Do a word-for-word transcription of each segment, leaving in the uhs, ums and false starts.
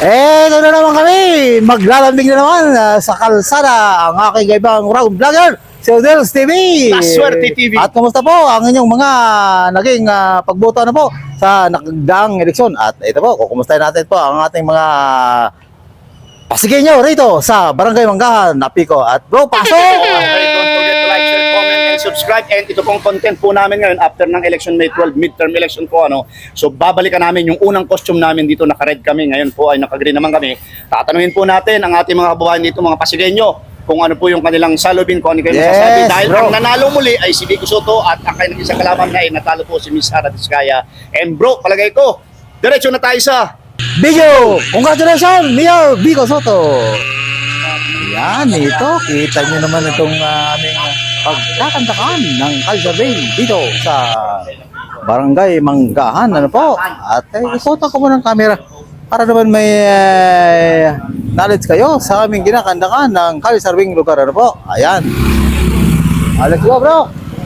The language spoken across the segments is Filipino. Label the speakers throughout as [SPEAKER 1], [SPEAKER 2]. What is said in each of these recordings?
[SPEAKER 1] Eh, ito na naman kami. Maglalambing na naman uh, sa kalsada ang aking kaibang round vlogger, si Odels T V.
[SPEAKER 2] Laswerte T V.
[SPEAKER 1] At kumusta po ang inyong mga naging uh, pagboto na po sa nakagdaang eleksyon. At ito po, kukumustahin natin po ang ating mga pasigay nyo rito sa Barangay Manggahan, Napico. At bro, pasok!
[SPEAKER 2] Okay, don't forget to like, share, comment, and subscribe. And ito pong content po namin ngayon after ng election May twelfth, midterm election po. Ano. So babalikan namin yung unang costume namin dito, naka-red kami. Ngayon po ay naka-green naman kami. Tatanungin po natin ang ating mga kababayan dito, mga pasigay-nyo, kung ano po yung kanilang salubin, kung ano kayo
[SPEAKER 1] Yes,
[SPEAKER 2] masasabi. Dahil
[SPEAKER 1] bro.
[SPEAKER 2] ang nanalo muli ay si Vico Soto at ang kanilang isang kalaban na ay natalo po si Miss Sara Diskaya. And bro, palagay ko, diretso na tayo sa
[SPEAKER 1] Video! Congratulations, Mayor Vico Soto! Yan, ito. Kita nyo naman itong uh, aming pagkakantakan ng Calzabay dito sa Barangay Manggahan. Ano po? At eh, ipota ko muna ng camera para naman may uh, knowledge kayo sa aming ginakantakan ng Calzabay lugar. Ano po? Ayan. Ah, let's go, bro!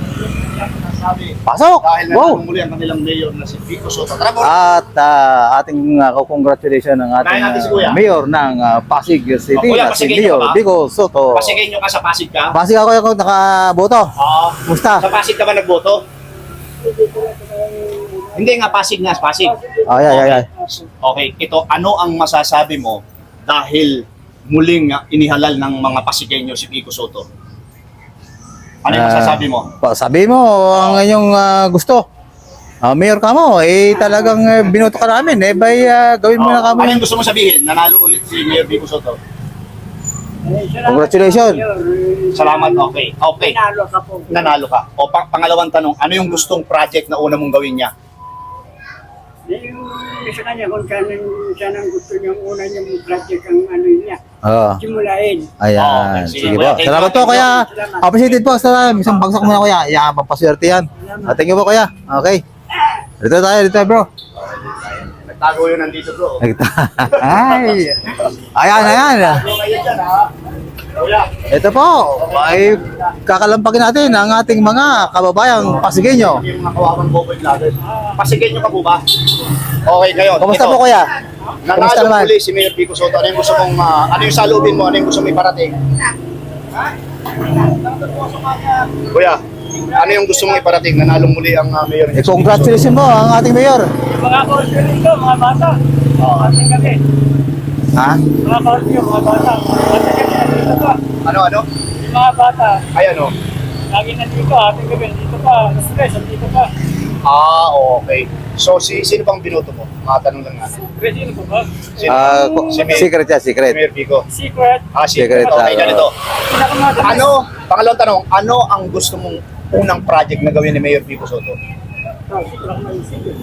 [SPEAKER 1] Pasok!
[SPEAKER 2] dahil
[SPEAKER 1] Wow!
[SPEAKER 2] nanalo muli ang kanilang mayor na si Vico Soto. Tara, bro!
[SPEAKER 1] At uh, ating uh, congratulations ng ating
[SPEAKER 2] Dahil natin si
[SPEAKER 1] uh,
[SPEAKER 2] Kuya.
[SPEAKER 1] mayor ng uh, Pasig City,
[SPEAKER 2] Oh, Kuya,
[SPEAKER 1] na si
[SPEAKER 2] Pasigay
[SPEAKER 1] Mayor
[SPEAKER 2] ka ba?
[SPEAKER 1] Vico Soto.
[SPEAKER 2] Pasigay nyo ka sa Pasig ka?
[SPEAKER 1] Pasig ako yung nakaboto.
[SPEAKER 2] Oo.
[SPEAKER 1] Musta?
[SPEAKER 2] Sa Pasig ka ba nagboto? Hindi nga, Pasig nga, Pasig.
[SPEAKER 1] Ay, ay, ay, ay.
[SPEAKER 2] Okay, ito, ano ang masasabi mo dahil muling ah, inihalal ng mga Pasigenyo si Vico Soto? Ano yung
[SPEAKER 1] Ah,
[SPEAKER 2] masasabi mo?
[SPEAKER 1] pa- Sabi mo, ang inyong uh, gusto. Uh, mayor ka mo, eh talagang uh, binoto ka namin. Eh, bay, uh, gawin mo
[SPEAKER 2] Oh,
[SPEAKER 1] na
[SPEAKER 2] ano
[SPEAKER 1] kami.
[SPEAKER 2] yung gusto mo sabihin? Nanalo ulit si Mayor Vico Soto.
[SPEAKER 1] Congratulations.
[SPEAKER 2] Salamat, okay. Okay,
[SPEAKER 3] Nanalo ka po.
[SPEAKER 2] nanalo ka. O pang pangalawang tanong, ano yung gustong project na una mong gawin niya?
[SPEAKER 3] Yung isa kanya kung saan, saan ang gusto niyang una niyang project ang ano niya.
[SPEAKER 1] Oo.
[SPEAKER 3] Simulain.
[SPEAKER 1] Ayan.
[SPEAKER 2] Okay, sige.
[SPEAKER 1] Sige po. Salamat po, kuya. Appreciated po. Sa isang bagsak muna, kuya. Yan, pampaswerte yan. Ah, thank you po, kuya. Okay. Dito tayo, dito tayo, bro.
[SPEAKER 2] Nagtago yun nandito, bro.
[SPEAKER 1] Ay. Ayan, ayan.
[SPEAKER 2] Tago kayo dyan, ha? Kuya,
[SPEAKER 1] Ito po, ay kakalampagin natin ang ating mga kababayang Pasigueño.
[SPEAKER 2] yung mga kawawang boboy vloggers. Pasigenyo ka po ba? Okay, ngayon.
[SPEAKER 1] Kumusta
[SPEAKER 2] ito.
[SPEAKER 1] po, kuya? Kumusta
[SPEAKER 2] Nanalo
[SPEAKER 1] naman?
[SPEAKER 2] muli si Mayor Vico Soto. Ano yung gusto mong, ah, ano yung salubin mo? Ano yung gusto mong iparating? Kuya, ano yung gusto mong iparating? Nanalo muli ang uh, Mayor
[SPEAKER 1] Eh, congratulations po ang ating mayor.
[SPEAKER 3] Yung mga korpyo nito, mga bata. Oo, ating gabi.
[SPEAKER 1] Ha?
[SPEAKER 3] Mga korpyo, mga bata. Ating gabi, nandito pa.
[SPEAKER 2] Ano, ano?
[SPEAKER 3] Yung mga bata,
[SPEAKER 2] Ay, ano?
[SPEAKER 3] lagi nandito, ating gabi, nandito pa. Stress, nandito pa.
[SPEAKER 2] Ah, okay. So, si sino bang binoto mo? Mga tanong lang natin.
[SPEAKER 3] Pwede yun po ba?
[SPEAKER 2] Sino?
[SPEAKER 1] Ah, ko-
[SPEAKER 2] si Mayor,
[SPEAKER 1] secret yan,
[SPEAKER 2] si
[SPEAKER 1] secret.
[SPEAKER 2] Mayor Vico.
[SPEAKER 3] Secret.
[SPEAKER 2] Ah, secret.
[SPEAKER 1] Secret,
[SPEAKER 2] Okay,
[SPEAKER 1] ah.
[SPEAKER 2] ganito.
[SPEAKER 3] Pinakamatamis.
[SPEAKER 2] Ano, pangalawang tanong, ano ang gusto mong unang project na gawin ni Mayor Vico Soto?
[SPEAKER 3] Oh, secret ako maisip eh.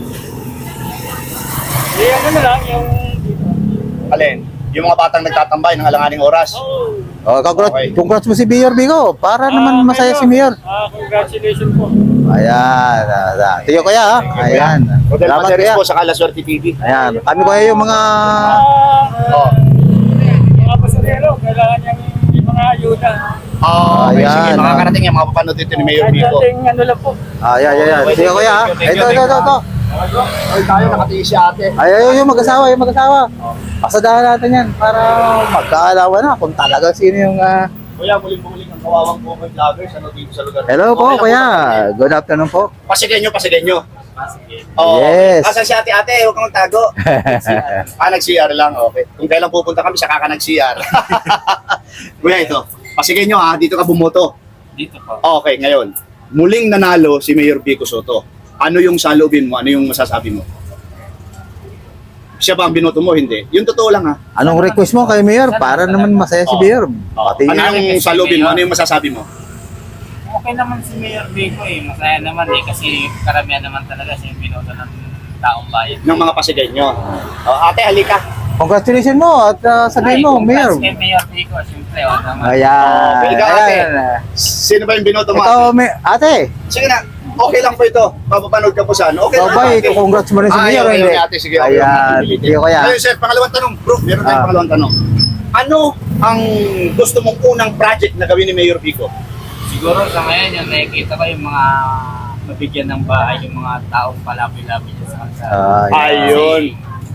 [SPEAKER 3] Eh, ano na lang, yung dito.
[SPEAKER 2] Alin? Yung mga batang nagtatambay ng alanganing oras.
[SPEAKER 3] Oh.
[SPEAKER 1] Oh, congrats,
[SPEAKER 2] Okay.
[SPEAKER 1] congrats mo si Mayor Bigo para naman
[SPEAKER 3] Ah,
[SPEAKER 1] masaya si Mayor.
[SPEAKER 3] Ah, congratulations po.
[SPEAKER 1] Ayan. ah, Tiyo kuya, ha? Ayan.
[SPEAKER 2] Rodel
[SPEAKER 1] Salamat,
[SPEAKER 2] Pateres
[SPEAKER 1] kuya.
[SPEAKER 2] po sa Laswerte T V.
[SPEAKER 1] Ayan. Kami kuya yung mga...
[SPEAKER 3] Ah,
[SPEAKER 2] Oh.
[SPEAKER 3] mga pasalero, kailangan niyang yung mga ayuda.
[SPEAKER 2] Oh, okay,
[SPEAKER 1] Ayan,
[SPEAKER 2] sige,
[SPEAKER 1] ah.
[SPEAKER 2] makakarating yan, mapapanood dito ni Mayor
[SPEAKER 3] Kahit
[SPEAKER 2] Vico.
[SPEAKER 3] nating ano lang po.
[SPEAKER 1] Ayan, ayan, ayan. Tiyo kuya, ha?
[SPEAKER 2] Thank you, thank
[SPEAKER 1] Ito,
[SPEAKER 2] you,
[SPEAKER 1] ito, ito, ito.
[SPEAKER 2] Ay, tayo, nakatiis si ate.
[SPEAKER 1] Ay, ay, yung mag-asawa, yung mag-asawa. Pasadahan natin yan para magkaalawa na kung talaga sino yung... ah,
[SPEAKER 2] Kuya, muling-muling ang kawawang Boboy vloggers ano dito sa lugar.
[SPEAKER 1] Hello po,
[SPEAKER 2] Okay lang
[SPEAKER 1] kuya.
[SPEAKER 2] po.
[SPEAKER 1] Good afternoon po.
[SPEAKER 2] Pasigenyo, pasigenyo. Oh,
[SPEAKER 1] Yes.
[SPEAKER 2] Asan si ate, ate? Huwag kang magtago. Ah, nag-C R lang, okay. Kung kailan pupunta kami, saka ka nag-C R. Kuya, ito. Pasigenyo ha, dito ka bumoto.
[SPEAKER 3] Dito po.
[SPEAKER 2] Okay, ngayon. Muling nanalo si Mayor Vico Soto. Ano yung salubin mo? Ano yung masasabi mo? Siya ba ang binoto mo? Hindi. Yung totoo lang ha.
[SPEAKER 1] Anong request mo kay Mayor para naman masaya si
[SPEAKER 2] Oh.
[SPEAKER 1] Mayor?
[SPEAKER 2] Oh.
[SPEAKER 1] Pati
[SPEAKER 2] Ano yung salubin mo? Ano yung masasabi mo?
[SPEAKER 4] Okay naman si Mayor Vico eh. Masaya naman eh kasi karamihan naman talaga siya yung binoto ng taong bayan.
[SPEAKER 2] Ng mga pasigenyo. Oh, ate, halika.
[SPEAKER 1] congratulations mo at uh, sabihin mo, Mayor.
[SPEAKER 4] Kay Mayor Vico, siyempre. Oh, naman.
[SPEAKER 1] Ayan.
[SPEAKER 2] Okay, ikaw, ate.
[SPEAKER 1] Ayan.
[SPEAKER 2] Sino ba yung binoto mo?
[SPEAKER 1] Ito,
[SPEAKER 2] Ate?
[SPEAKER 1] may, ate.
[SPEAKER 2] Sige na. Okay lang po ito. Papapanood ka po saan. Okay lang.
[SPEAKER 1] Babay,
[SPEAKER 2] ate.
[SPEAKER 1] congrats mo rin si
[SPEAKER 2] Ah,
[SPEAKER 1] Mayor.
[SPEAKER 2] ayaw, ayaw
[SPEAKER 1] hindi?
[SPEAKER 2] ni ate. Sige, okay.
[SPEAKER 1] Ayan. Sige, kuya.
[SPEAKER 2] Ngayon, sir, pangalawang tanong. Bro, meron tayong
[SPEAKER 1] Ah.
[SPEAKER 2] pangalawang tanong. Ano ang gusto mong unang project na gawin ni Mayor Vico?
[SPEAKER 4] Siguro sa ngayon yung nakikita ko yung mga mabigyan ng bahay, yung mga taong palaboy-laboy dyan sa kalsada.
[SPEAKER 1] Ah,
[SPEAKER 2] Ayun.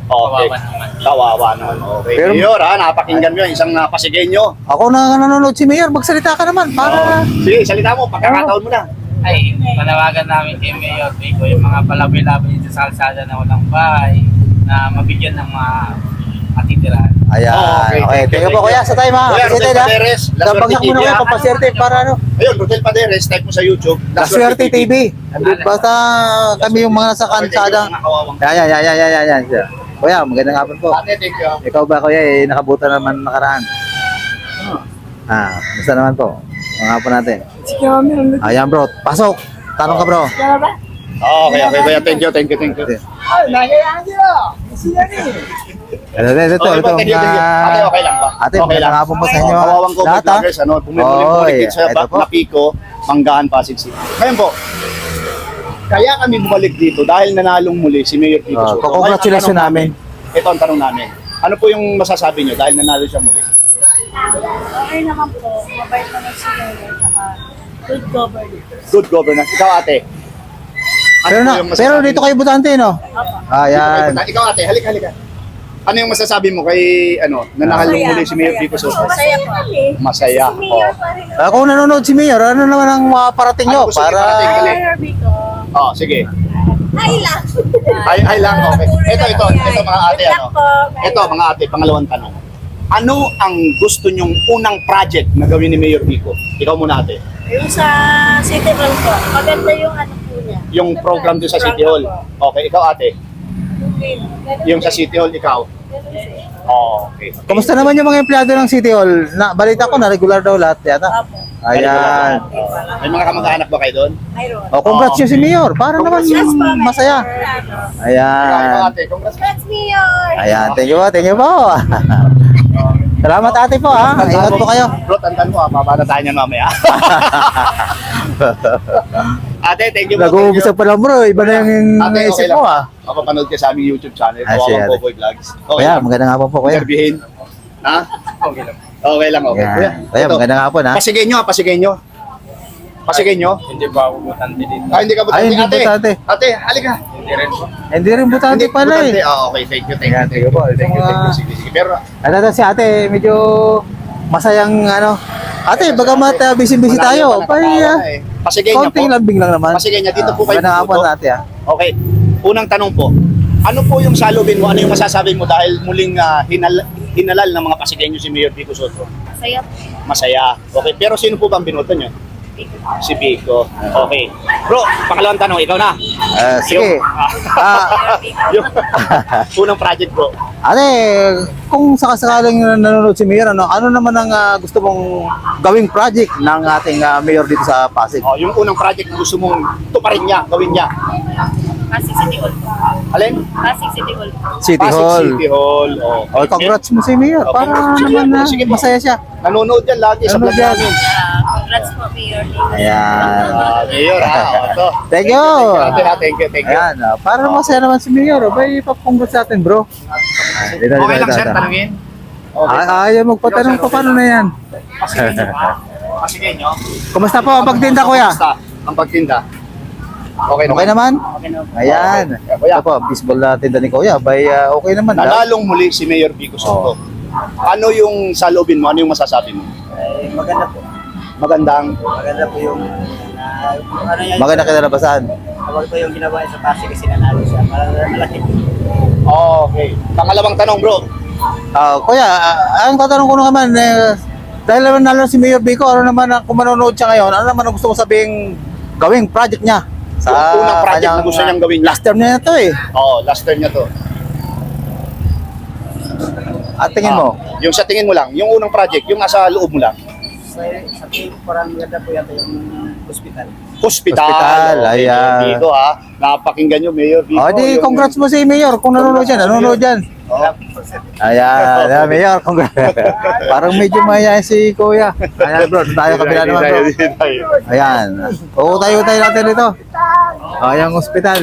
[SPEAKER 2] Okay.
[SPEAKER 4] Kawawa naman.
[SPEAKER 2] Kawawa naman. Okay.
[SPEAKER 1] Pero-
[SPEAKER 2] Mayor, ha, napakinggan mo yan. Isang uh, pasigenyo.
[SPEAKER 1] Ako na nanonood si Mayor, magsalita ka naman para...
[SPEAKER 2] Sige, salita mo. Pagkakataon mo na.
[SPEAKER 4] Ay, panawagan namin kay Mayor Vico yung mga palabay-labay dito sa kalsada na walang bahay, na mabigyan ng mga matitirahan.
[SPEAKER 1] Ayan.
[SPEAKER 2] Oh,
[SPEAKER 1] okay,
[SPEAKER 2] okay.
[SPEAKER 1] Thank you po kuya sa time ha.
[SPEAKER 2] Kuya,
[SPEAKER 1] Kasi
[SPEAKER 2] Rodel
[SPEAKER 1] tayo
[SPEAKER 2] Paderes, La
[SPEAKER 1] na. Bagsak
[SPEAKER 2] Suerte
[SPEAKER 1] mo na
[SPEAKER 2] T V,
[SPEAKER 1] kuya,
[SPEAKER 2] ha?
[SPEAKER 1] papaswerte para ano.
[SPEAKER 2] Ayun, Rodel Paderes, type mo sa YouTube.
[SPEAKER 1] La Suerte T V. Basta kami yung mga nasa kalsada. Yan, yan, yan, yan, yan, yan, yan. Kuya, magandang hapon po.
[SPEAKER 2] Ate, thank you.
[SPEAKER 1] Ikaw ba kuya, eh, nakabuta naman nakaraan? Ah, basta naman po. Mga hapon natin. Ayan bro, pasok. Tanong ka bro.
[SPEAKER 2] Okay, okay, kuya. Thank you, thank you, thank you.
[SPEAKER 1] Ito, ito, ito.
[SPEAKER 2] Okay po,
[SPEAKER 1] Ito,
[SPEAKER 2] thank you, thank you. Ate, okay lang ba?
[SPEAKER 1] Ate,
[SPEAKER 2] okay
[SPEAKER 1] magandang hapon po sa inyo.
[SPEAKER 2] Oh, Kawawang ko,
[SPEAKER 1] Lahat, ha?
[SPEAKER 2] vloggers, ano, bumibuli-buli
[SPEAKER 1] Oy,
[SPEAKER 2] dito sa
[SPEAKER 1] ito po.
[SPEAKER 2] Napiko, Manggahan, Pasig City. Ngayon po, kaya kami bumalik dito dahil nanalong muli si Mayor Vico
[SPEAKER 1] Oh,
[SPEAKER 2] Soto.
[SPEAKER 1] congratulations
[SPEAKER 2] Ngayon, ang tanong
[SPEAKER 1] namin.
[SPEAKER 2] Ito ang tanong namin. Ano po yung masasabi nyo dahil nanalo siya muli?
[SPEAKER 5] Okay naman po, mabait naman si Mayor, tsaka good governance.
[SPEAKER 2] Good governance. Ikaw, ate. Ano
[SPEAKER 1] Pero,
[SPEAKER 2] po
[SPEAKER 1] na,
[SPEAKER 2] yung
[SPEAKER 1] pero
[SPEAKER 2] masasabi
[SPEAKER 1] dito
[SPEAKER 2] mo?
[SPEAKER 1] kayo butante, no?
[SPEAKER 5] Opo.
[SPEAKER 1] Ayan.
[SPEAKER 2] Ikaw, ate. Halika, halika. Ano yung masasabi mo kay, ano, nanalo
[SPEAKER 5] Masaya,
[SPEAKER 2] muli si Mayor
[SPEAKER 5] masaya.
[SPEAKER 2] Vico Soto?
[SPEAKER 5] Masaya po.
[SPEAKER 2] Masaya.
[SPEAKER 5] Si Mayor
[SPEAKER 2] Oh.
[SPEAKER 5] pa rin.
[SPEAKER 1] Ah, kung nanonood si Mayor, ano naman ang mga parating nyo?
[SPEAKER 2] Ano gusto niyo
[SPEAKER 1] Para...
[SPEAKER 2] parating? Dali.
[SPEAKER 5] Mayor Vico.
[SPEAKER 2] Oh, sige.
[SPEAKER 5] Ay lang.
[SPEAKER 2] Ay, ay lang, okay. Ito, ito, ito mga ate,
[SPEAKER 5] Good
[SPEAKER 2] ano.
[SPEAKER 5] luck po.
[SPEAKER 2] Ito, mga ate, pangalawang tanong. Ano ang gusto nyong unang project na gawin ni Mayor Vico? Ikaw muna, ate.
[SPEAKER 5] Yung sa City Hall po, maganda yung ano po niya.
[SPEAKER 2] Yung program doon sa City Hall. Okay, ikaw, ate. Yung sa City Hall, ikaw. Oh, okay.
[SPEAKER 1] Kumusta naman yung mga empleyado ng City Hall? Na, balita ko na regular daw lahat yata.
[SPEAKER 5] Opo.
[SPEAKER 1] Ayan.
[SPEAKER 2] May mga kamag-anak ba kayo doon?
[SPEAKER 5] Mayroon.
[SPEAKER 1] O, congrats nyo si Mayor. Para naman
[SPEAKER 5] Congrats po, Mayor.
[SPEAKER 1] masaya.
[SPEAKER 2] Ikaw, ikaw,
[SPEAKER 1] Ayan.
[SPEAKER 2] ate. Congrats.
[SPEAKER 5] Congrats, Mayor!
[SPEAKER 1] Ayan, thank you po, thank you po. Salamat ate po ha. Ingat po kayo.
[SPEAKER 2] Bro, tandaan mo, ah, babata tayo niyan mamaya. Ate, thank you po.
[SPEAKER 1] Nag-uumpisa pa lang bro, iba na yung
[SPEAKER 2] Ate, okay
[SPEAKER 1] naisip
[SPEAKER 2] lang.
[SPEAKER 1] mo ah.
[SPEAKER 2] Mapapanood ka sa aming YouTube channel,
[SPEAKER 1] Ah, sige,
[SPEAKER 2] Kawawang
[SPEAKER 1] ate.
[SPEAKER 2] Boboy Vlogs. Okay
[SPEAKER 1] Kuya,
[SPEAKER 2] lang.
[SPEAKER 1] magandang hapon po kuya.
[SPEAKER 2] Interviewin. Ha? Okay lang. Okay lang, okay.
[SPEAKER 1] Ayan. Kuya,
[SPEAKER 2] ito.
[SPEAKER 1] magandang hapon ha.
[SPEAKER 2] Pasigay nyo, pasigay nyo. Pasigay nyo.
[SPEAKER 4] Hindi ba ako butante dito?
[SPEAKER 2] Ah, hindi ka butante.
[SPEAKER 1] Ay, hindi
[SPEAKER 2] ate,
[SPEAKER 1] butante.
[SPEAKER 2] ate, halika.
[SPEAKER 4] Hindi rin po.
[SPEAKER 1] Hindi rin butante
[SPEAKER 2] Hindi,
[SPEAKER 1] pala
[SPEAKER 2] butante.
[SPEAKER 1] eh.
[SPEAKER 2] Ah, okay, thank you, thank you,
[SPEAKER 1] Ayan,
[SPEAKER 2] thank you.
[SPEAKER 1] sige po.
[SPEAKER 2] Thank you,
[SPEAKER 1] Ito
[SPEAKER 2] thank you.
[SPEAKER 1] mga-
[SPEAKER 2] Sige, sige. Pero,
[SPEAKER 1] Ano to si ate, medyo masayang ano. Ate, bagamat uh, busy-busy tayo.
[SPEAKER 2] malayo pa
[SPEAKER 1] Pay,
[SPEAKER 2] nakatawa
[SPEAKER 1] uh,
[SPEAKER 2] na eh. Pasigay niya po.
[SPEAKER 1] konting lambing lang naman.
[SPEAKER 2] Pasigay niya, dito po kayo
[SPEAKER 1] Magandang hapon
[SPEAKER 2] pupunta.
[SPEAKER 1] ate ah.
[SPEAKER 2] Okay, unang tanong po. Ano po yung salubin mo? Ano yung masasabi mo dahil muling ah, hinal hinalal ng mga pasigenyo si Mayor Vico Soto?
[SPEAKER 5] Masaya po.
[SPEAKER 2] Masaya. Okay, pero sino po bang binoto niyo? Si Vico. Okay. Bro, pangalawang tanong, ikaw na.
[SPEAKER 1] Ah, sige.
[SPEAKER 2] Yung,
[SPEAKER 1] Ah,
[SPEAKER 2] yung unang project bro.
[SPEAKER 1] ate, kung sakasakaling nanonood si Mayor, ano, ano naman ang ah, gusto mong gawing project ng ating ah, Mayor dito sa Pasig?
[SPEAKER 2] Oh, yung unang project na gusto mong tuparin niya, gawin niya.
[SPEAKER 5] Pasig City Hall po.
[SPEAKER 2] Alin?
[SPEAKER 5] Pasig City Hall po.
[SPEAKER 1] City
[SPEAKER 2] Pasig
[SPEAKER 1] Hall.
[SPEAKER 2] City Hall. Oh,
[SPEAKER 1] Oh, congrats mo si Mayor.
[SPEAKER 2] Oh,
[SPEAKER 1] Para
[SPEAKER 2] congrats. Sige,
[SPEAKER 1] naman na
[SPEAKER 2] sige po.
[SPEAKER 1] masaya siya.
[SPEAKER 2] Nanonood yan lagi sa
[SPEAKER 1] Nanonood
[SPEAKER 2] vlog
[SPEAKER 1] yan.
[SPEAKER 2] namin.
[SPEAKER 5] Ah, congrats po, Mayor.
[SPEAKER 1] Ayan.
[SPEAKER 2] Ah, Mayor ha. Oh, ito.
[SPEAKER 1] Thank you.
[SPEAKER 2] Ate, ha, thank you, thank you.
[SPEAKER 1] Ayan, ah, para masaya naman si Mayor. Oh, bay, papunggol sa atin, bro. Ah, dito, dito,
[SPEAKER 2] Okay lang
[SPEAKER 1] dito,
[SPEAKER 2] sir,
[SPEAKER 1] dito.
[SPEAKER 2] tanungin. Okay.
[SPEAKER 1] Ah, ayaw magpatanong pa paano na yan.
[SPEAKER 2] Pasigay niyo ha. Pasigay niyo.
[SPEAKER 1] Kumusta po ang pagtinda, kuya?
[SPEAKER 2] Kumusta ang pagtinda? Okay
[SPEAKER 1] Okay naman?
[SPEAKER 2] Okay naman.
[SPEAKER 1] Ayan.
[SPEAKER 2] Okay, kuya.
[SPEAKER 1] Ito po, baseball na tinda ni kuya. Bay, ah, okay naman. ah.
[SPEAKER 2] Nanalong muli si Mayor Vico Soto. Ano yung salubin mo? Ano yung masasabi mo?
[SPEAKER 3] Eh, maganda po.
[SPEAKER 2] Magandang.
[SPEAKER 3] Maganda po yung uh, ano yan.
[SPEAKER 1] Maganda kinalabasan.
[SPEAKER 3] Tawag po yung ginawa niya sa Pasig kasi nanalo siya. Mal- Malaki.
[SPEAKER 2] Okay. Pangalawang tanong bro.
[SPEAKER 1] Ah, kuya, ah, ang tatanong ko naman, eh, dahil naman nalo si Mayor Vico, ano naman, ang- kung manonood siya ngayon, ano naman ang gusto mo sabing gawing project niya?
[SPEAKER 2] Yung unang project na
[SPEAKER 1] kanyang,
[SPEAKER 2] gusto niyang
[SPEAKER 1] ah,
[SPEAKER 2] gawin.
[SPEAKER 1] Last term niya na to eh.
[SPEAKER 2] Oh, last term niya to.
[SPEAKER 1] At tingin mo?
[SPEAKER 2] Ah, yung sa tingin mo lang, yung unang project, yung nasa loob mo lang.
[SPEAKER 3] Sa, sa tingin ko parang maganda po yata yung hospital.
[SPEAKER 2] Hospital.
[SPEAKER 1] Hospital,
[SPEAKER 2] Okay,
[SPEAKER 1] ayan.
[SPEAKER 2] Mayor Vico ha. Napakinggan nyo, Mayor Vico.
[SPEAKER 1] Oh, di,
[SPEAKER 2] Yung-
[SPEAKER 1] congrats mo si Mayor kung nanonood yan. Nanonood yan.
[SPEAKER 2] Oh.
[SPEAKER 1] Ayan, ayan, Mayor, congrats. Parang medyo mayayain si Kuya. Ayan bro, tayo kabila naman bro.
[SPEAKER 2] Hindi tayo, hindi tayo.
[SPEAKER 1] Ayan. Oo, tayo tayo natin dito. Ayan, hospital.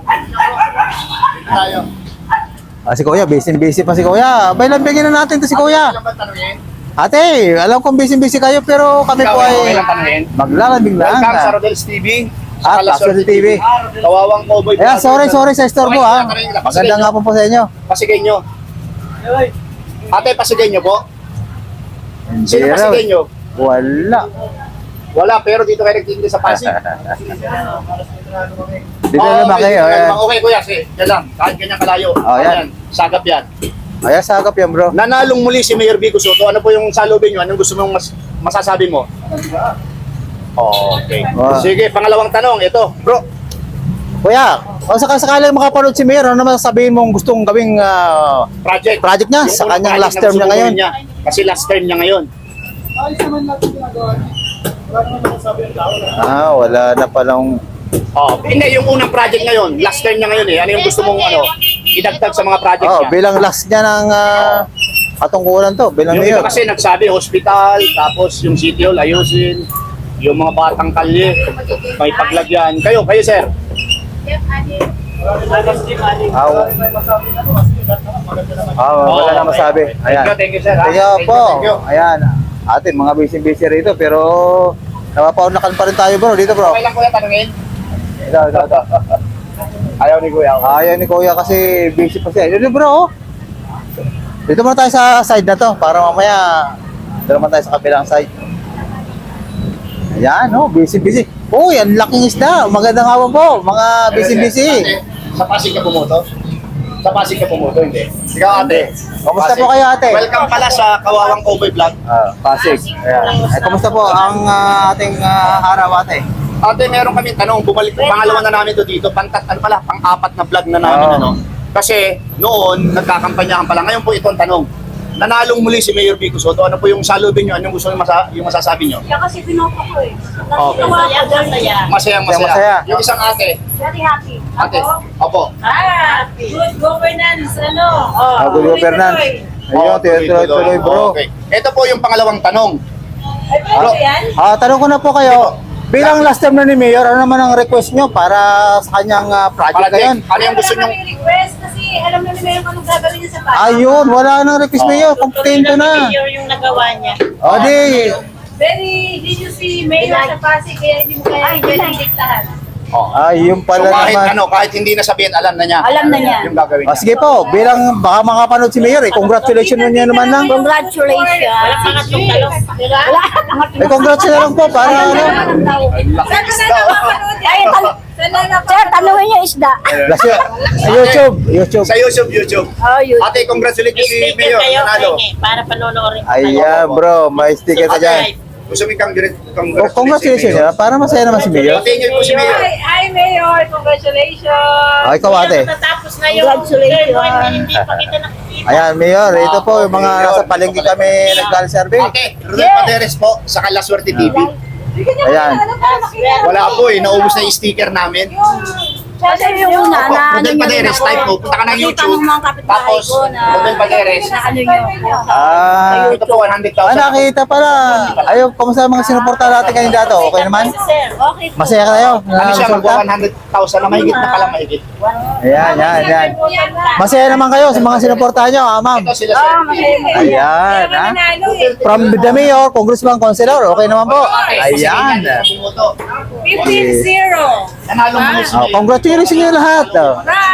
[SPEAKER 2] Tayo.
[SPEAKER 1] Ah, si Kuya, busy-busy pa si Kuya. Abay, lambingin na natin to si Kuya.
[SPEAKER 2] Ano ba tanungin?
[SPEAKER 1] Ate, alam kong busy-busy kayo pero kami
[SPEAKER 2] Ikaw,
[SPEAKER 1] po
[SPEAKER 2] okay
[SPEAKER 1] ay
[SPEAKER 2] lang tanungin.
[SPEAKER 1] maglalambing lang.
[SPEAKER 2] Welcome sa Rodel's T V.
[SPEAKER 1] Ah,
[SPEAKER 2] Alas
[SPEAKER 1] Tapos T V.
[SPEAKER 2] Kawawang Cowboy.
[SPEAKER 1] Ayan, sorry, sorry sa istorbo ha. Maganda nga po po sa inyo.
[SPEAKER 2] Pasigay nyo. Ate, pasigay nyo po. Sino
[SPEAKER 1] Hindi raw.
[SPEAKER 2] pasigay nyo?
[SPEAKER 1] Wala.
[SPEAKER 2] Wala, pero dito kayo nagtindi sa Pasig.
[SPEAKER 1] Dito
[SPEAKER 2] Oo,
[SPEAKER 1] naman
[SPEAKER 2] okay,
[SPEAKER 1] kayo.
[SPEAKER 2] dito
[SPEAKER 1] Ayan.
[SPEAKER 2] naman. Okay, kuya, sige. Yan lang. Kahit ganyan kalayo.
[SPEAKER 1] Oh, yan.
[SPEAKER 2] Sagap yan.
[SPEAKER 1] Ayan, sagap yan bro.
[SPEAKER 2] Nanalong muli si Mayor Vico Soto. Ano po yung salubin nyo? Anong gusto mong mas masasabi mo? Okay.
[SPEAKER 1] Wow.
[SPEAKER 2] Sige, pangalawang tanong. Ito, bro.
[SPEAKER 1] Kuya, kung sakasakaling makapanood si Mayor, ano naman sabihin mong gustong gawing ah,
[SPEAKER 2] Project.
[SPEAKER 1] project niya
[SPEAKER 2] Yung
[SPEAKER 1] sa
[SPEAKER 2] unang
[SPEAKER 1] kanyang
[SPEAKER 2] project
[SPEAKER 1] last
[SPEAKER 2] na
[SPEAKER 1] term
[SPEAKER 2] gusto
[SPEAKER 1] niya
[SPEAKER 2] mong
[SPEAKER 1] ngayon?
[SPEAKER 2] gawin niya. Kasi last term niya ngayon.
[SPEAKER 1] Ah, wala na palang...
[SPEAKER 2] Oh, hindi, yung unang project ngayon. Last term niya ngayon eh. Ano yung gusto mong ano, idagdag sa mga project
[SPEAKER 1] Oh,
[SPEAKER 2] niya?
[SPEAKER 1] bilang last niya ng ah, katungkulan to, bilang
[SPEAKER 2] Yung iba
[SPEAKER 1] Mayor.
[SPEAKER 2] kasi nagsabi, hospital, tapos yung City Hall, ayusin. Yung mga batang kalye, may paglagyan. Kayo, kayo sir.
[SPEAKER 1] Ah, ah, wala na masabi. Ayan.
[SPEAKER 2] Thank you, thank you sir. ha?
[SPEAKER 1] Thank you
[SPEAKER 2] Thank you,
[SPEAKER 1] po.
[SPEAKER 2] thank you.
[SPEAKER 1] Ayan. Ate, mga busy-busy rito, pero napapaunakan pa rin tayo bro, dito bro.
[SPEAKER 2] Okay lang kuya, tanungin.
[SPEAKER 1] Ito, ito, ito.
[SPEAKER 2] Ayaw ni kuya.
[SPEAKER 1] Ayaw ni Kuya kasi busy pa siya. Dito bro, oh. Dito muna tayo sa side na to, para mamaya dito naman tayo sa kabilang side. Ayan, oh, busy-busy. Uy, ang laking isda. Magandang hapon po, mga busy-busy.
[SPEAKER 2] Ate, sa Pasig ka pumoto? Sa Pasig ka pumoto, hindi? Ikaw ate.
[SPEAKER 1] Kamusta
[SPEAKER 2] Pasig.
[SPEAKER 1] po kayo, ate?
[SPEAKER 2] Welcome pala sa Kawawang Cowboy Vlog.
[SPEAKER 1] Ah, Pasig. Ayan. Ay, kamusta po ang ah, ating ah, araw, ate?
[SPEAKER 2] Ate, meron kami tanong, bumalik pangalawa na namin to dito, pangkat ano pala, pang-apat na vlog na namin
[SPEAKER 1] Oo.
[SPEAKER 2] ano. Kasi noon nagkakampanyahan pala. Ngayon po ito ang tanong. Nanalong muli si Mayor Vico Soto. Ano po yung salubin niyo? Anong gusto niyo masa yung masasabi niyo?
[SPEAKER 5] Kaya kasi binoto ko eh.
[SPEAKER 2] Okay.
[SPEAKER 5] Nagawa ko dahil saya.
[SPEAKER 2] Masayang masaya.
[SPEAKER 1] Masaya.
[SPEAKER 2] Yung isang ate.
[SPEAKER 5] Very happy.
[SPEAKER 2] Ate. Opo.
[SPEAKER 5] Ah, good governance, ano?
[SPEAKER 1] Ah, good governance. Ayun,
[SPEAKER 2] Oh,
[SPEAKER 1] tuloy-tuloy bro.
[SPEAKER 2] Okay. Ito po yung pangalawang tanong.
[SPEAKER 5] Ay, pwede yan?
[SPEAKER 1] Ah, tanong ko na po kayo. Bilang last term na ni Mayor, ano naman ang request nyo para sa kanyang ah, project ngayon?
[SPEAKER 2] Ano yung gusto niyo?
[SPEAKER 5] Wala kami request kasi alam na ni Mayor kung anong gagawin niya sa bahay.
[SPEAKER 1] Ayun, wala nang request Mayor. Kontento na.
[SPEAKER 5] Mayor yung nagawa niya.
[SPEAKER 1] O di,
[SPEAKER 5] Very, did you see Mayor sa Pasig kaya hindi mo kaya diktahan?
[SPEAKER 2] Oh.
[SPEAKER 1] ayun
[SPEAKER 2] So
[SPEAKER 1] pala
[SPEAKER 2] kahit
[SPEAKER 1] naman.
[SPEAKER 2] ano, kahit hindi na sabihin, alam na niya.
[SPEAKER 5] Alam na niya.
[SPEAKER 2] Yung gagawin
[SPEAKER 1] Ah,
[SPEAKER 2] niya.
[SPEAKER 1] sige po, bilang baka makapanood si Mayor eh, congratulations niya naman lang.
[SPEAKER 5] Congratulations. Wala pa nga itong talong. Wala.
[SPEAKER 1] Eh, congratulations na lang po para ano.
[SPEAKER 2] Laking isda.
[SPEAKER 5] Ay, tan- Sir, tanungin niyo isda.
[SPEAKER 1] Last year, YouTube, YouTube.
[SPEAKER 2] Sa YouTube, YouTube.
[SPEAKER 5] Oh, yun.
[SPEAKER 2] Ate, congratulations si Mayor. Nanalo.
[SPEAKER 5] para panonoorin ko.
[SPEAKER 1] Ayan bro, may sticker ka dyan.
[SPEAKER 2] Gusto mo kang direct
[SPEAKER 1] Oh, congratulations ya, para masaya naman si Mayor.
[SPEAKER 2] Tingin po si Mayor.
[SPEAKER 5] Hi, Mayor. Congratulations.
[SPEAKER 1] Ah, ikaw ate.
[SPEAKER 5] Natapos na yung Congratulations. Hindi pa kita nakikita.
[SPEAKER 1] Ayan Mayor, ito po yung mga nasa palengke kami nagkal-survey.
[SPEAKER 2] Ate, Rodel Paderes po sa Kalaswerte T V.
[SPEAKER 1] Ayan.
[SPEAKER 2] Wala po eh, naubos na yung sticker namin.
[SPEAKER 5] Kasi yung una
[SPEAKER 2] Opo,
[SPEAKER 5] na ano
[SPEAKER 2] Rodel
[SPEAKER 5] nyo
[SPEAKER 2] Paderes,
[SPEAKER 5] rin ako.
[SPEAKER 2] type po. Punta ka ng
[SPEAKER 5] Nakita
[SPEAKER 2] YouTube.
[SPEAKER 5] ng mga kapitbahay
[SPEAKER 2] Tapos,
[SPEAKER 5] ko na
[SPEAKER 2] Rodel Paderes.
[SPEAKER 5] na ano nyo.
[SPEAKER 1] Ah,
[SPEAKER 2] Ito po, one hundred
[SPEAKER 1] ah,
[SPEAKER 2] thousand.
[SPEAKER 1] nakita pala. Ayaw, kamusta ang mga sinuporta natin kandidato? Okay naman?
[SPEAKER 5] Sir, okay po.
[SPEAKER 1] Masaya kayo?
[SPEAKER 2] Ano siya,
[SPEAKER 1] Nakaresulta?
[SPEAKER 2] magwa one hundred thousand na mahigit na pala mahigit.
[SPEAKER 1] Ayan, yan, yan. Masaya naman kayo sa mga sinuportahan nyo, ah, ma'am.
[SPEAKER 2] Ito sila
[SPEAKER 5] Oh,
[SPEAKER 2] sir.
[SPEAKER 5] masaya.
[SPEAKER 1] Ayan, ha? From the mayor, congressman, councilor, okay naman po. Ayan.
[SPEAKER 5] fifteen zero.
[SPEAKER 2] Nanalo mo si
[SPEAKER 1] Oh,
[SPEAKER 2] Mayor.
[SPEAKER 1] congratulations nyo lahat. Oh.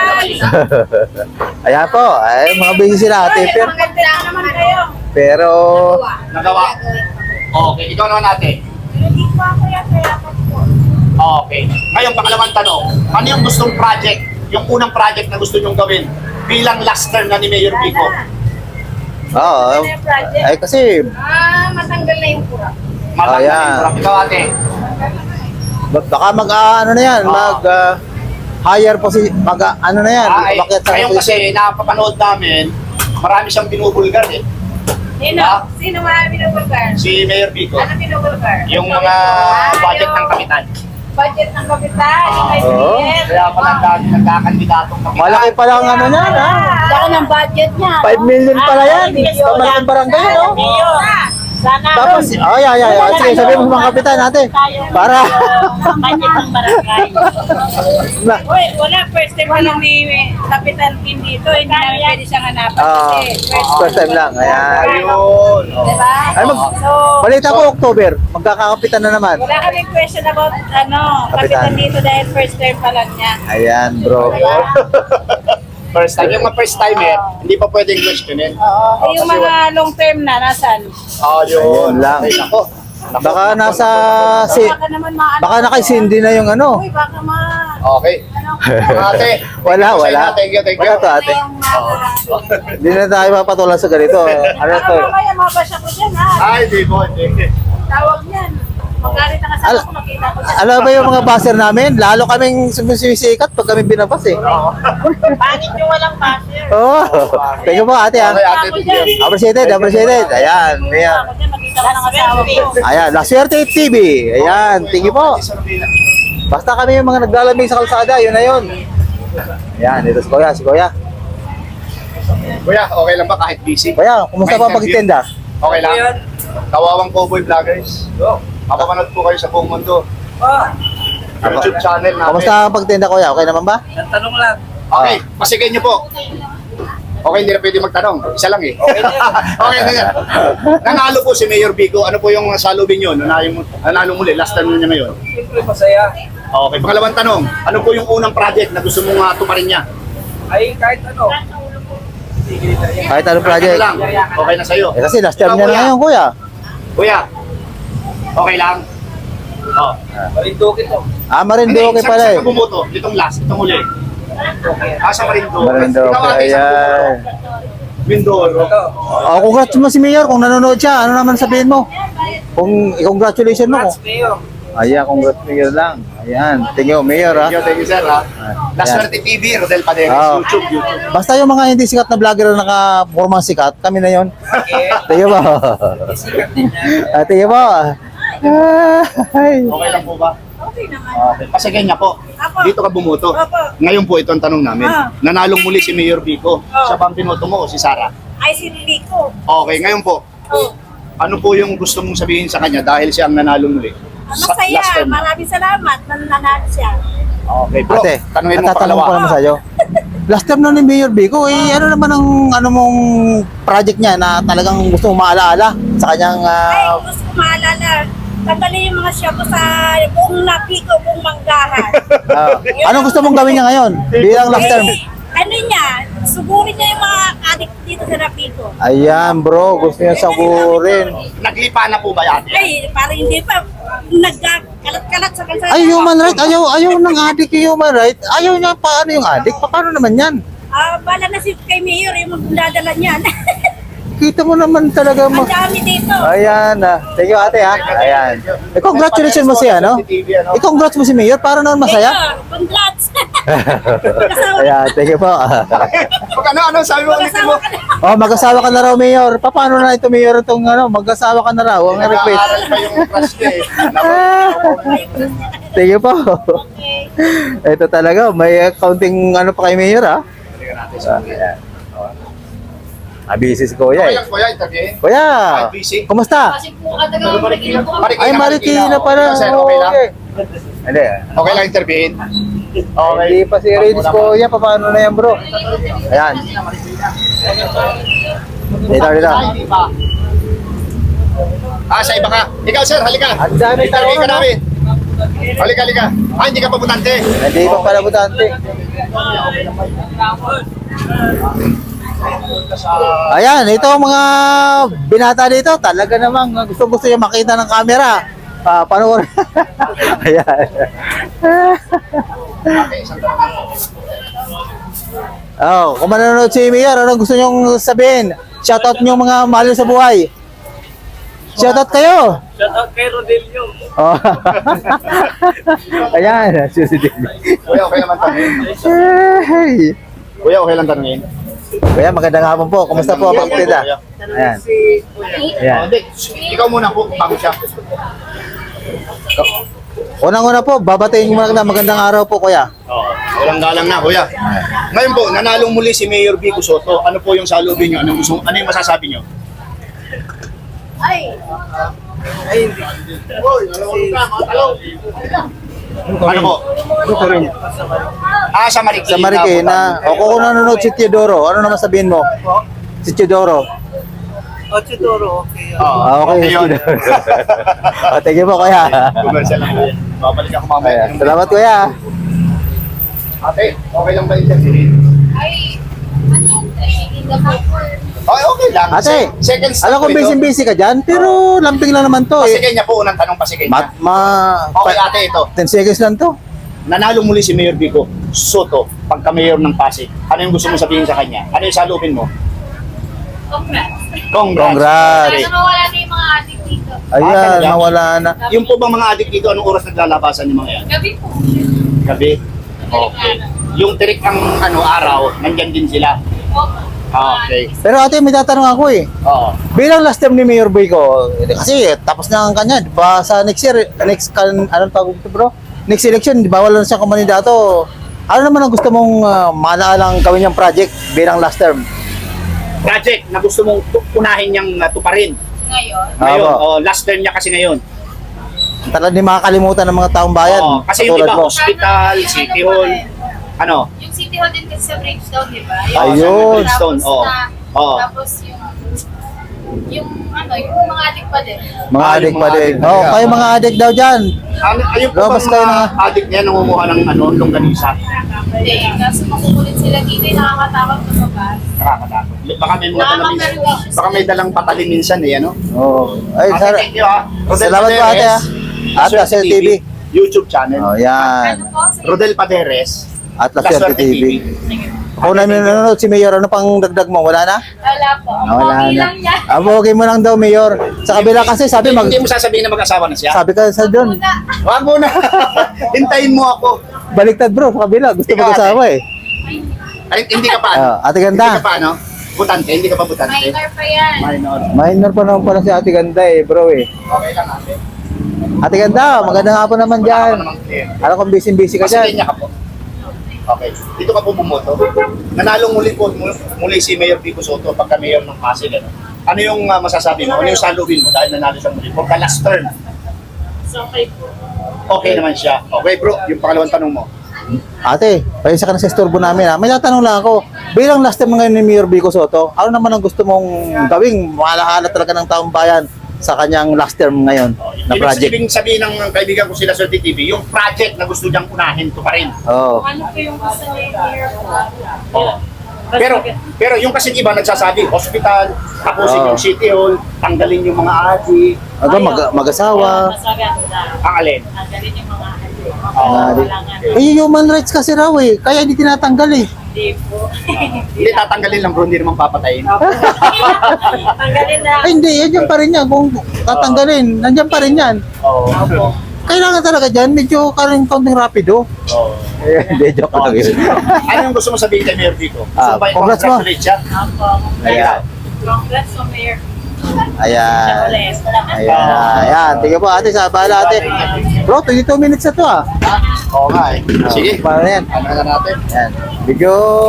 [SPEAKER 1] Ayan po, ay mga busy sila ate. Pero,
[SPEAKER 5] Maganda naman kayo.
[SPEAKER 1] pero
[SPEAKER 2] Nagawa. Okay, ikaw naman ate.
[SPEAKER 5] Hindi pa ako yan, kaya ako po.
[SPEAKER 2] Okay. Ngayon, pangalawang tanong. Ano yung gustong project? Yung unang project na gusto nyong gawin bilang last term na ni Mayor Vico?
[SPEAKER 1] Oo. Ay kasi,
[SPEAKER 5] Ah, matanggal na yung pura.
[SPEAKER 2] Matanggal
[SPEAKER 1] Ayan.
[SPEAKER 2] yung kurap. Ikaw ate.
[SPEAKER 1] baka mag ah, ano na yan,
[SPEAKER 2] Oo.
[SPEAKER 1] mag ah, hire po si, mag ah, ano na yan,
[SPEAKER 2] Ah, ay,
[SPEAKER 1] bakit sa
[SPEAKER 2] ngayon kasi napapanood namin, marami siyang binubulgar eh.
[SPEAKER 5] Sino?
[SPEAKER 2] Ah?
[SPEAKER 5] Sino mga binubulgar?
[SPEAKER 2] Si Mayor Vico.
[SPEAKER 5] Ano binubulgar?
[SPEAKER 2] Yung mga budget ng kapitan.
[SPEAKER 5] Budget ng kapital, yung may
[SPEAKER 1] Oo.
[SPEAKER 5] bilhin.
[SPEAKER 2] Kaya pala ang dami nagkakandidatong kapitan.
[SPEAKER 1] Malaki pa lang ano niyan, ha?
[SPEAKER 5] Laki ng budget niya.
[SPEAKER 1] five million pala yan.
[SPEAKER 5] Ah,
[SPEAKER 1] Sa malaking barangay, no?
[SPEAKER 5] Mayor. Sana.
[SPEAKER 1] Tapos, oh, yeah, yeah, yeah. Sige, sabihin mo sa mga kapitan natin. Para,
[SPEAKER 5] Budget ng barangay.
[SPEAKER 1] na,
[SPEAKER 6] Uy, wala. First time pa lang ni Kapitan Kim dito. Hindi namin pwede siyang hanapan
[SPEAKER 1] ah,
[SPEAKER 6] kasi first
[SPEAKER 1] first time lang. Ayan.
[SPEAKER 2] Ayun. Oh.
[SPEAKER 6] Diba?
[SPEAKER 1] Ay, mag,
[SPEAKER 6] So,
[SPEAKER 1] balita ko, October. Magkakapitan na naman.
[SPEAKER 6] wala kaming question about ano,
[SPEAKER 1] Kapitan.
[SPEAKER 6] Kapitan dito dahil first time pa lang niya.
[SPEAKER 1] Ayan, bro.
[SPEAKER 2] First time. Yung mga first timer, hindi pa pwedeng questionin.
[SPEAKER 6] Oo. Eh, yung mga long term na, nasan?
[SPEAKER 2] Oh,
[SPEAKER 1] Ayun
[SPEAKER 2] yun.
[SPEAKER 1] lang.
[SPEAKER 2] Ay, nako. Nako.
[SPEAKER 1] Baka nasa, si,
[SPEAKER 6] Baka naman maano.
[SPEAKER 1] baka nakaisindi na yung ano.
[SPEAKER 6] Uy, baka ma...
[SPEAKER 2] Okay. Ate.
[SPEAKER 1] Wala, wala.
[SPEAKER 2] Thank you, thank you.
[SPEAKER 1] Wala to, ate.
[SPEAKER 6] Yung mga...
[SPEAKER 1] Hindi na tayo mapatulan sa ganito. Ano
[SPEAKER 6] Baka
[SPEAKER 1] to?
[SPEAKER 6] mamaya mabasya ko dyan ha.
[SPEAKER 2] Ay, di po, hindi.
[SPEAKER 6] Tawag yan. Magalit ang asawa
[SPEAKER 1] Al-
[SPEAKER 6] ko, makita ko siya.
[SPEAKER 1] Alam ba yung mga baser namin? Lalo kaming sumisikat pag kami binabas eh.
[SPEAKER 5] Pangit yung walang basher.
[SPEAKER 1] Oo. Thank you po ate ha.
[SPEAKER 2] Okay, ate, thank you.
[SPEAKER 1] Appreciated, appreciated. Ayan, ayan.
[SPEAKER 5] Ako dyan, makita ko ng asawa ko.
[SPEAKER 1] Ayan, La Suerte T V. Ayan, thank you po. Basta kami yung mga naglalamig sa kalsada, yun na yun. Ayan, ito si Kuya, si Kuya.
[SPEAKER 2] Kuya, okay lang ba kahit busy?
[SPEAKER 1] Kuya, kumusta
[SPEAKER 2] May
[SPEAKER 1] pa
[SPEAKER 2] interview?
[SPEAKER 1] pagtitinda?
[SPEAKER 2] Okay lang. Kawawang Cowboy Vloggers. Mapapanood po kayo sa buong mundo. YouTube channel namin.
[SPEAKER 1] Kumusta ang pagtinda Kuya? Okay naman ba?
[SPEAKER 4] Tanong lang.
[SPEAKER 2] Okay, pasigay niyo po. Okay, hindi na pwede magtanong. Isa lang eh. Okay, okay na yan. Nanalo po si Mayor Vico. Ano po yung salubin nyo? Nanalo, nanalo muli. Last time niya ngayon.
[SPEAKER 4] Siyempre masaya.
[SPEAKER 2] Okay, pangalawang tanong. Ano po yung unang project na gusto mong uh, tuparin niya?
[SPEAKER 4] Ay kahit ano.
[SPEAKER 1] Kahit anong project.
[SPEAKER 2] Ano lang? Okay na sa'yo.
[SPEAKER 1] Eh kasi last time
[SPEAKER 2] Ikaw,
[SPEAKER 1] niya na
[SPEAKER 2] Kuya.
[SPEAKER 1] ngayon Kuya.
[SPEAKER 2] Kuya, okay lang? Oh.
[SPEAKER 4] Marindukin to.
[SPEAKER 1] Ah, Marinduque
[SPEAKER 2] Hindi,
[SPEAKER 1] pala
[SPEAKER 2] saan-
[SPEAKER 1] eh.
[SPEAKER 2] Saan ka bumoto? Itong last, itong huli. Ah, sa Marinduque.
[SPEAKER 1] Marinduque,
[SPEAKER 2] Ikaw, ate, saan ka
[SPEAKER 1] ayan.
[SPEAKER 2] bumoto? Mindoro.
[SPEAKER 1] Oh, congrats mo si Mayor kung nanonood siya. Ano naman sabihin mo? Kung i-congratulation mo.
[SPEAKER 4] Congrats, Mayor.
[SPEAKER 1] Ayan, congrats Mayor lang. Ayan, thank you Mayor ha.
[SPEAKER 2] Thank you, thank you, sir. Ha? La
[SPEAKER 1] Ayan.
[SPEAKER 2] Suerte T V, Rodel Paderes,
[SPEAKER 1] Oo.
[SPEAKER 2] YouTube, YouTube.
[SPEAKER 1] Basta yung mga hindi sikat na vlogger na naka-formang sikat, kami na yon.
[SPEAKER 4] Okay.
[SPEAKER 1] Thank you po.
[SPEAKER 4] Sikat din yan.
[SPEAKER 1] Ah, thank you po. Ay.
[SPEAKER 2] Okay lang po ba?
[SPEAKER 6] Okay naman.
[SPEAKER 2] Okay. Pasigay niya po.
[SPEAKER 6] Apo.
[SPEAKER 2] Dito ka bumoto.
[SPEAKER 6] Apo.
[SPEAKER 2] Ngayon po ito ang tanong namin.
[SPEAKER 6] Ah.
[SPEAKER 2] Nanalong muli si Mayor Vico. Siya ba ang binoto mo o si Sara?
[SPEAKER 6] Ay, si Rico.
[SPEAKER 2] Okay, ngayon po.
[SPEAKER 6] Oh.
[SPEAKER 2] Ano po yung gusto mong sabihin sa kanya dahil siya ang nanalo muli? Sa-
[SPEAKER 6] Masaya.
[SPEAKER 2] last time.
[SPEAKER 6] Maraming salamat. Nananalo siya.
[SPEAKER 2] Okay, bro.
[SPEAKER 1] Ate,
[SPEAKER 2] Tanungin mo
[SPEAKER 1] tatanong ko
[SPEAKER 2] pangalawa.
[SPEAKER 1] naman sa'yo. Last time na ni Mayor Vico, eh, ano naman ang ano mong project niya na talagang gusto mong maalaala sa kanyang
[SPEAKER 6] Ay,
[SPEAKER 1] ah,
[SPEAKER 6] gusto ko maalala. Tanggalin yung mga shampoo sa buong napiko, buong manggahan.
[SPEAKER 1] ah, anong gusto mong gawin niya ngayon bilang last term?
[SPEAKER 6] Eh, ano niya, sugurin niya yung mga addict dito sa napiko.
[SPEAKER 1] Ayan bro, gusto niya sagurin.
[SPEAKER 2] Naglipa na po ba yan?
[SPEAKER 6] Ay, parang hindi pa nagkakalat-kalat sa kalsada.
[SPEAKER 1] Ay, human right, ayaw, ayaw ng adik yung human right. Ayaw niya paano yung adik, paano naman yan?
[SPEAKER 6] Ah, bala na si kay Mayor yung magdadala niyan.
[SPEAKER 1] Kita mo naman talaga mo.
[SPEAKER 6] Ang dami dito.
[SPEAKER 1] Ayan, ah. Thank you ate ha. Ayan. Eh, congratulations mo siya, no? Eh, congrats mo si Mayor, para naman masaya.
[SPEAKER 6] Mayor, congrats. Kasama
[SPEAKER 1] Ayan, thank you po.
[SPEAKER 2] Pag ano, ano, sabi mo ulitin mo?
[SPEAKER 6] Kasama ka na.
[SPEAKER 1] Oh, mag-asawa ka na raw, Mayor. Pa- Paano na ito, Mayor, itong ano, mag-asawa ka na raw, ang request.
[SPEAKER 2] Nag-aaral pa yung crush niya eh.
[SPEAKER 1] Thank you po.
[SPEAKER 6] Okay.
[SPEAKER 1] Ito talaga, may counting ano pa kay Mayor, ha?
[SPEAKER 2] Tingnan natin sa
[SPEAKER 1] Ayan. Ah, busy si Kuya,
[SPEAKER 2] Okay
[SPEAKER 1] eh.
[SPEAKER 2] lang po yan, interviewin.
[SPEAKER 1] Kuya,
[SPEAKER 2] Ay, busy.
[SPEAKER 1] kumusta?
[SPEAKER 2] Marikina,
[SPEAKER 1] Ay, Marikina pala.
[SPEAKER 2] Sir, okay lang?
[SPEAKER 1] Okay. Hindi.
[SPEAKER 2] Okay lang interviewin? Okay.
[SPEAKER 1] Hindi pa si Reyes Kuya, paano na yan, bro? Ayan. Dito, dito.
[SPEAKER 2] Ah, sa iba ka. Ikaw, sir, halika.
[SPEAKER 1] Ang dami
[SPEAKER 2] Interview ka
[SPEAKER 1] tanong, no?
[SPEAKER 2] namin. Halika, halika. Ah, hindi ka pa butante.
[SPEAKER 1] Hindi pa pala butante. Ayan, ito ang mga binata dito. Talaga namang gusto gusto niya makita ng camera. Ah, panoorin. Ayan. Oh, kung manonood si Mayor, ano gusto niyong sabihin? Shoutout niyo mga mahal niyo sa buhay. Shoutout kayo.
[SPEAKER 4] Shout out kay Rodelio.
[SPEAKER 1] Oh. Ayan, susunod.
[SPEAKER 2] Kuya, okay naman tanungin.
[SPEAKER 1] Hey.
[SPEAKER 2] Kuya, okay lang tanungin.
[SPEAKER 1] Kuya, magandang hapon po. Kumusta po ang pagtida? Ayan. Ayan.
[SPEAKER 2] Oh, hindi. Ikaw muna po, bago siya.
[SPEAKER 1] Unang-una po, babatiin ko na magandang araw po, kuya.
[SPEAKER 2] Oo. Walang galang na, kuya. Ngayon po, nanalong muli si Mayor Vico Soto. Ano po yung salubin niyo? Anong gusto, ano yung masasabi niyo?
[SPEAKER 5] Ay,
[SPEAKER 2] Ano po? Ah, sa Marikina.
[SPEAKER 1] Sa Marikina. O kung nanonood si Teodoro, ano naman sabihin mo? Si Teodoro.
[SPEAKER 2] Oo,
[SPEAKER 1] Ah, okay.
[SPEAKER 2] okay yun.
[SPEAKER 1] O, thank you po, kuya.
[SPEAKER 2] Commercial lang po yan. Babalik ako mamaya.
[SPEAKER 1] Ayan. Salamat, kuya.
[SPEAKER 2] Ate, okay lang ba yung chat?
[SPEAKER 5] ay, ano, in the
[SPEAKER 2] Okay, okay lang.
[SPEAKER 1] Ate,
[SPEAKER 2] Se- second step
[SPEAKER 1] alam ko
[SPEAKER 2] po ito.
[SPEAKER 1] busy-busy ka dyan, pero lamping lang naman to eh.
[SPEAKER 2] Pasigay niya po, unang tanong pasigay
[SPEAKER 1] Ma,
[SPEAKER 2] niya.
[SPEAKER 1] ma,
[SPEAKER 2] Okay ate, ito.
[SPEAKER 1] ten seconds lang to.
[SPEAKER 2] Nanalo muli si Mayor Vico Soto pagka-mayor ng Pasig. Ano yung gusto mo sabihin sa kanya? Ano yung salubin mo?
[SPEAKER 5] Congrats.
[SPEAKER 2] Congrats.
[SPEAKER 1] Congrats.
[SPEAKER 5] Sana mawala na yung mga adik dito.
[SPEAKER 1] Ayan,
[SPEAKER 2] talaga?
[SPEAKER 1] nawala na.
[SPEAKER 2] Yung po bang mga adik dito, anong oras naglalabasan yung mga yan?
[SPEAKER 5] Gabi po.
[SPEAKER 2] Gabi? Okay. Yung tirik ang ano araw, nandyan din sila.
[SPEAKER 5] Opo.
[SPEAKER 2] Okay.
[SPEAKER 1] Pero ate, may tatanong ako eh.
[SPEAKER 2] Oo.
[SPEAKER 1] Bilang last term ni Mayor Boyko, eh, kasi eh, tapos na ang kanya, di ba sa next year, next, kan, anong tawag ito bro? Next election, di ba wala na siyang kumandidato? Ano naman ang gusto mong uh, manaalang gawin niyang project bilang last term?
[SPEAKER 2] Project na gusto mong tu- unahin niyang uh, tuparin.
[SPEAKER 5] Ngayon,
[SPEAKER 2] Ngayon,
[SPEAKER 1] Opo.
[SPEAKER 2] oh, last term niya kasi ngayon.
[SPEAKER 1] Talagang di makakalimutan ng mga taong bayan.
[SPEAKER 2] Oo, kasi yung
[SPEAKER 1] katulad
[SPEAKER 2] iba,
[SPEAKER 1] mo.
[SPEAKER 2] hospital, city hall, ano?
[SPEAKER 5] yung City Hall din kasi sa Bridgestone, di ba?
[SPEAKER 1] Ayun.
[SPEAKER 2] Bridgestone,
[SPEAKER 5] Tapos
[SPEAKER 2] oo.
[SPEAKER 5] na-
[SPEAKER 2] Oo.
[SPEAKER 5] Tapos yung, yung ano, yung mga adik pa din.
[SPEAKER 1] Mga
[SPEAKER 2] Ah, yung
[SPEAKER 1] adik
[SPEAKER 2] mga
[SPEAKER 1] pa din.
[SPEAKER 2] adik
[SPEAKER 1] Oo,
[SPEAKER 2] talaga.
[SPEAKER 1] kayo mga adik daw dyan.
[SPEAKER 2] Ano, ayun po
[SPEAKER 1] Lumabas
[SPEAKER 2] bang
[SPEAKER 1] kayo
[SPEAKER 2] mga
[SPEAKER 1] na-
[SPEAKER 2] addict niya nangunguha ng ano, longganisa?
[SPEAKER 5] Hindi, kaso makukulit sila dito, yung nakakatakot na mabas.
[SPEAKER 2] Nakakatakot. Baka may mga dalang,
[SPEAKER 5] Nakaka-perwishes.
[SPEAKER 2] baka may dalang patalin minsan eh, ano?
[SPEAKER 1] Oo. Ay,
[SPEAKER 2] Ate,
[SPEAKER 1] sar-
[SPEAKER 2] thank you ah. Rodel
[SPEAKER 1] Salamat po, ate, ah.
[SPEAKER 2] Paderes,
[SPEAKER 1] At Laswerte T V.
[SPEAKER 2] YouTube channel.
[SPEAKER 1] Oh, yan.
[SPEAKER 5] Ano po? Sige.
[SPEAKER 2] Rodel Paderes.
[SPEAKER 1] At Laswerte T V.
[SPEAKER 5] Sige.
[SPEAKER 1] Kung namin nanonood si Mayor, ano pang dagdag mo? Wala na?
[SPEAKER 5] Wala po. Ang
[SPEAKER 1] Ah, wala
[SPEAKER 5] pogi
[SPEAKER 1] na.
[SPEAKER 5] lang niya.
[SPEAKER 1] Ah, okay mo lang daw, Mayor. Sa kabila kasi sabi mag...
[SPEAKER 2] Hindi mo sasabihin na mag-asawa na siya.
[SPEAKER 1] Sabi ka sa doon,
[SPEAKER 5] Una.
[SPEAKER 2] Wag mo na. Hintayin mo ako.
[SPEAKER 1] baliktad bro, sa kabila. Gusto
[SPEAKER 2] Ikaw,
[SPEAKER 1] mag-asawa eh.
[SPEAKER 2] Ay, hindi ka pa ano?
[SPEAKER 1] Ah, ate
[SPEAKER 2] Hindi
[SPEAKER 1] ganda.
[SPEAKER 2] ka pa ano? Butante, hindi ka pa butante.
[SPEAKER 5] Minor pa yan.
[SPEAKER 2] Minor.
[SPEAKER 1] Minor pa naman pala si ate ganda eh, bro eh.
[SPEAKER 2] Okay lang ate.
[SPEAKER 1] Ate ganda, magandang hapon naman
[SPEAKER 2] Wala ka
[SPEAKER 1] dyan.
[SPEAKER 2] pa namang clear.
[SPEAKER 1] Alam kong busy-busy ka
[SPEAKER 2] Kasi
[SPEAKER 1] dyan.
[SPEAKER 2] niya ka po. Okay. Dito ka po bumoto. Nanalo muli po muli, muli si Mayor Vico Soto pagka mayor ng Pasig. Ano, ano yung uh, masasabi mo? Ano yung salubin mo dahil nanalo siya muli? For the last term.
[SPEAKER 5] So, okay po.
[SPEAKER 2] Okay naman siya. Okay bro, yung pangalawang tanong mo.
[SPEAKER 1] Ate, paisa ka na sa istorbo namin ha. May tatanong lang ako. Bilang last time ngayon ni Mayor Vico Soto, ano naman ang gusto mong gawing maalaala talaga ng taong bayan sa kanyang last term ngayon na
[SPEAKER 2] Ibig
[SPEAKER 1] project?
[SPEAKER 2] sabihin sabihin ng kaibigan ko sila sa T V, yung project na gusto niyang unahin to pa rin.
[SPEAKER 1] Oo.
[SPEAKER 5] Ano po yung gusto niya i-clear po?
[SPEAKER 2] Oo. Pero pero yung kasi iba nagsasabi, hospital, tapusin
[SPEAKER 1] Oo.
[SPEAKER 2] yung city hall, tanggalin yung mga adik,
[SPEAKER 1] Ano, mag- mag-asawa.
[SPEAKER 5] Mas maganda.
[SPEAKER 2] ang alin.
[SPEAKER 5] Ang galing yung mga adik.
[SPEAKER 1] Ah, di- Eh, human rights kasi raw eh. Kaya hindi tinatanggal eh.
[SPEAKER 5] Hindi po.
[SPEAKER 2] Hindi tatanggalin lang bro, hindi naman papatayin.
[SPEAKER 5] Tanggalin na.
[SPEAKER 1] Ay, hindi. Yan yan pa rin yan. Kung tatanggalin, nandyan pa rin yan.
[SPEAKER 2] Oo.
[SPEAKER 1] Kailangan talaga dyan. Medyo karing konting rapido.
[SPEAKER 2] Oo.
[SPEAKER 1] Eh, hindi. Joke lang yun.
[SPEAKER 2] Ano yung gusto mo sabihin kay Mayor Vico? Gusto
[SPEAKER 1] Ah,
[SPEAKER 2] mo ba
[SPEAKER 1] congrats mo.
[SPEAKER 2] i-congratulate siya?
[SPEAKER 5] Opo.
[SPEAKER 1] Ayan.
[SPEAKER 5] Congrats sa mayor.
[SPEAKER 1] Ayan.
[SPEAKER 5] Ulit.
[SPEAKER 1] Ayan. Ayan. Tingnan po ate. Sa bahala ate. Bro, twenty-two minutes na to ah.
[SPEAKER 2] Oo nga eh. Sige.
[SPEAKER 1] Para yan.
[SPEAKER 2] Ano na natin?
[SPEAKER 1] Ayan. Medyo...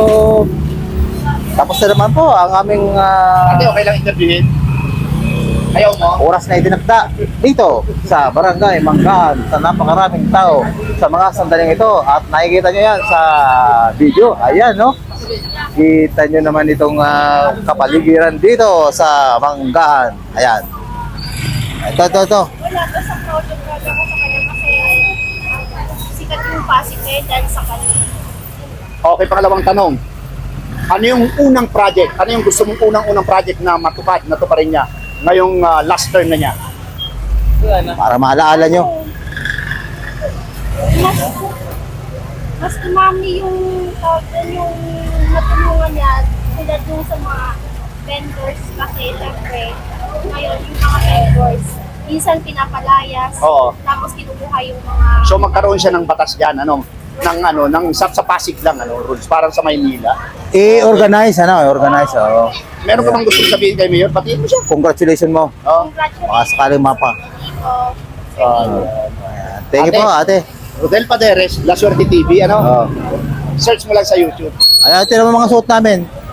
[SPEAKER 1] Tapos na naman po ang aming ah,
[SPEAKER 2] Ate, okay lang interviewin? Ayaw mo?
[SPEAKER 1] oras na itinakda dito sa Barangay Manggaan sa napakaraming tao sa mga sandaling ito at nakikita nyo yan sa video. Ayan, no? Kita nyo naman itong ah, kapaligiran dito sa Manggaan. Ayan. Ito, ito, ito.
[SPEAKER 6] Wala to sa project project ko sa kanya kasi sikat yung Pasig ngayon dahil sa kanya.
[SPEAKER 2] Okay, pangalawang tanong. Ano yung unang project? Ano yung gusto mong unang-unang project na matupad, natuparin niya ngayong ah, last term na niya?
[SPEAKER 1] Para maalaala nyo.
[SPEAKER 6] Mas, mas umami yung tawag doon, yung natulungan niya tulad yung sa mga vendors kasi syempre ngayon yung mga vendors minsan pinapalayas
[SPEAKER 2] Oo.
[SPEAKER 6] tapos kinukuha yung mga
[SPEAKER 2] So magkaroon siya ng batas diyan, ano, ng ano, ng sa, sa Pasig lang ano, rules parang sa Maynila.
[SPEAKER 1] I-organize, ano? I-organize, oo.
[SPEAKER 2] Meron ka bang gusto sabihin kay Mayor? Batiin mo siya.
[SPEAKER 1] Congratulations mo.
[SPEAKER 2] Oh.
[SPEAKER 6] congratulations
[SPEAKER 1] Baka sakaling mapa.
[SPEAKER 6] of
[SPEAKER 1] Ayan. Thank you po, ate.
[SPEAKER 2] Rodel Paderes, La Suerte T V, ano?
[SPEAKER 1] Oo.
[SPEAKER 2] Search mo lang sa YouTube.
[SPEAKER 1] Ayan, ate naman mga suot namin.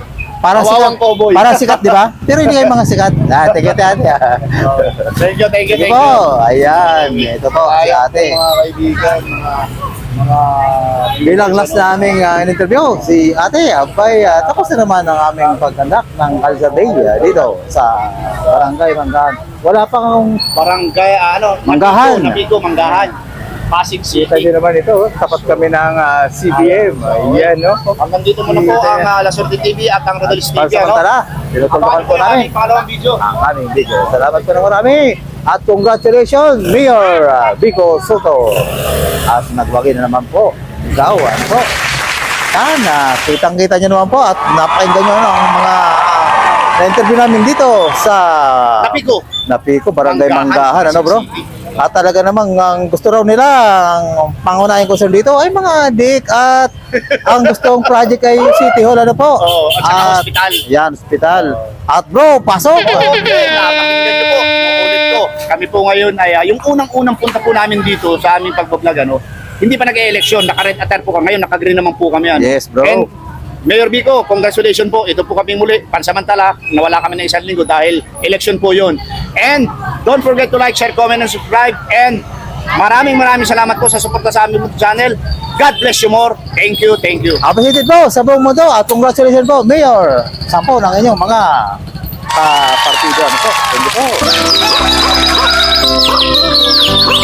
[SPEAKER 1] Para
[SPEAKER 2] Kawawang
[SPEAKER 1] sikat,
[SPEAKER 2] cowboy.
[SPEAKER 1] para sikat, di ba? Pero hindi kayo mga sikat. Ah, thank you, ate.
[SPEAKER 2] Thank you, thank you,
[SPEAKER 1] Sige
[SPEAKER 2] thank
[SPEAKER 1] po.
[SPEAKER 2] you.
[SPEAKER 1] Ayan, ito po, si
[SPEAKER 2] Ayan
[SPEAKER 1] ate.
[SPEAKER 2] po, mga kaibigan, mga mga
[SPEAKER 1] Bilang last naming uh, interview, si ate, abay, uh, tapos na naman ang aming pagkandak ng Calza Bay uh, dito sa Barangay Manggahan. Wala pang
[SPEAKER 2] barangay, ah, ano,
[SPEAKER 1] Manggahan.
[SPEAKER 2] Napico, Napico, Manggahan. Pasig
[SPEAKER 1] kita
[SPEAKER 2] City.
[SPEAKER 1] nyo naman ito, oh. Tapat kami ng uh, C B M. Ayan, no?
[SPEAKER 2] Hanggang dito muna po ang uh, La Suerte T V at ang Rodalis T V. Ano?
[SPEAKER 1] Pansamantala, tinutulungan po namin
[SPEAKER 2] Pangalawang video.
[SPEAKER 1] ang aming video. Salamat po na marami. At congratulations, Mayor uh, Vico Soto. At nagwagi na naman po. Ikaw, ano po? Sana, kitang-kita nyo naman po at napakinggan nyo ano, ang mga uh, na-interview namin dito sa
[SPEAKER 2] Napico.
[SPEAKER 1] Napico, Barangay
[SPEAKER 2] Manggahan,
[SPEAKER 1] Manggahan, ano bro?
[SPEAKER 2] City.
[SPEAKER 1] At talaga namang ang gusto raw nila, ang pangunahing concern dito ay mga dik at ang gustong project ay City Hall, ano po?
[SPEAKER 2] Oo, at saka hospital.
[SPEAKER 1] Yan, hospital. At bro, pasok!
[SPEAKER 2] Okay, napakinggan nyo po. Ulit ko. Kami po ngayon ay ah, yung unang-unang punta po namin dito sa aming pagbablog, ano, hindi pa nag-e-election, naka-red attire po kami ngayon, naka-green naman po kami. Ano.
[SPEAKER 1] Yes, bro.
[SPEAKER 2] And Mayor Vico, congratulations po. Ito po kami muli. Pansamantala, nawala kami ng isang linggo dahil election po yun. And don't forget to like, share, comment, and subscribe. And maraming maraming salamat po sa suporta sa aming channel. God bless you more. Thank you, thank you.
[SPEAKER 1] Appreciated po sa buong mundo at congratulations po, Mayor. Sampo ng inyong mga uh, partido. Ano po? Thank you po.